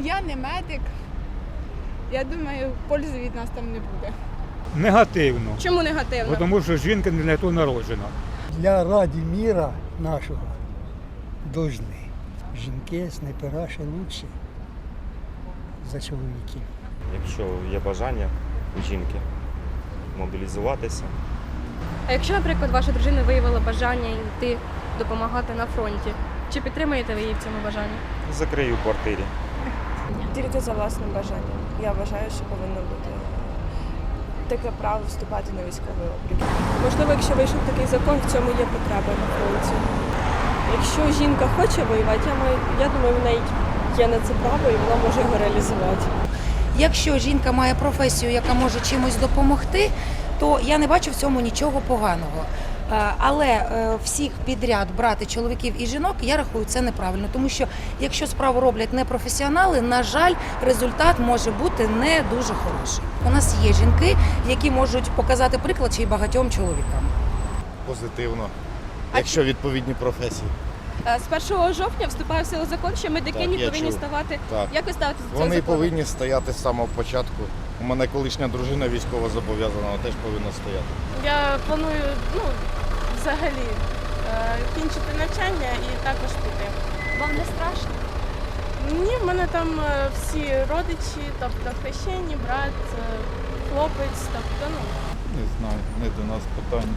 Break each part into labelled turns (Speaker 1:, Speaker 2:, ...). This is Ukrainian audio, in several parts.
Speaker 1: Я не медик. Я думаю, пользи від нас там не буде.
Speaker 2: Негативно,
Speaker 3: Чому негативно?
Speaker 2: тому що жінка не для того народжена.
Speaker 4: Для раді міра нашого должны. Жінки, снайпера ще лучше за чоловіків.
Speaker 5: Якщо є бажання у жінки мобілізуватися,
Speaker 3: А якщо, наприклад, ваша дружина виявила бажання йти допомагати на фронті, чи підтримуєте ви її в цьому бажанні?
Speaker 5: закрию в квартирі.
Speaker 6: Тільки за власним бажанням. Я вважаю, що повинно бути таке право вступати на військовий облік. Можливо, якщо вийшов такий закон, в цьому є потреба на фронті. Якщо жінка хоче воювати, я думаю, в неї є на це право і вона може його реалізувати.
Speaker 7: Якщо жінка має професію, яка може чимось допомогти, то я не бачу в цьому нічого поганого. Але всіх підряд брати чоловіків і жінок, я рахую, це неправильно. Тому що якщо справу роблять непрофесіонали, на жаль, результат може бути не дуже хороший. У нас є жінки, які можуть показати приклад ще й багатьом чоловікам.
Speaker 8: Позитивно, якщо відповідні професії.
Speaker 3: З 1 жовтня вступає в силу закон, що медикині
Speaker 8: Так, я
Speaker 3: повинні
Speaker 8: чув.
Speaker 3: ставати.
Speaker 8: Так.
Speaker 3: Як ви ставитеся до цього
Speaker 8: Вони
Speaker 3: закону?
Speaker 8: повинні стояти з самого початку. У мене колишня дружина військово зобов'язана, вона теж повинна стояти.
Speaker 9: Я планую взагалі кінчити навчання і також піти.
Speaker 3: Вам не страшно?
Speaker 9: Ні, в мене там всі родичі, тобто хрещені, брат, хлопець, тобто,
Speaker 8: Не знаю, не до нас питання.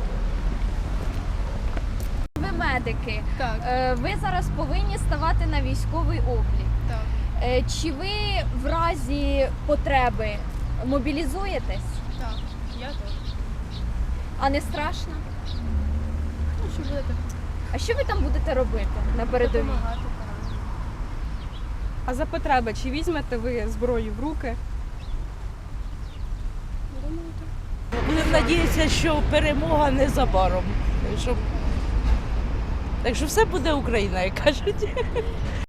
Speaker 10: Ви медики.
Speaker 9: Так.
Speaker 10: Ви зараз повинні ставати на військовий облік.
Speaker 9: Так.
Speaker 10: Чи ви в разі потреби мобілізуєтесь?
Speaker 9: Так, я теж.
Speaker 10: А не страшно?
Speaker 9: Ну, що будете
Speaker 10: А що ви там будете робити на передовій?
Speaker 9: допомагати.
Speaker 3: А за потреби, чи візьмете ви зброю в руки?
Speaker 11: Будемо надіятися, що перемога незабаром. Так що все буде Україна, як кажуть.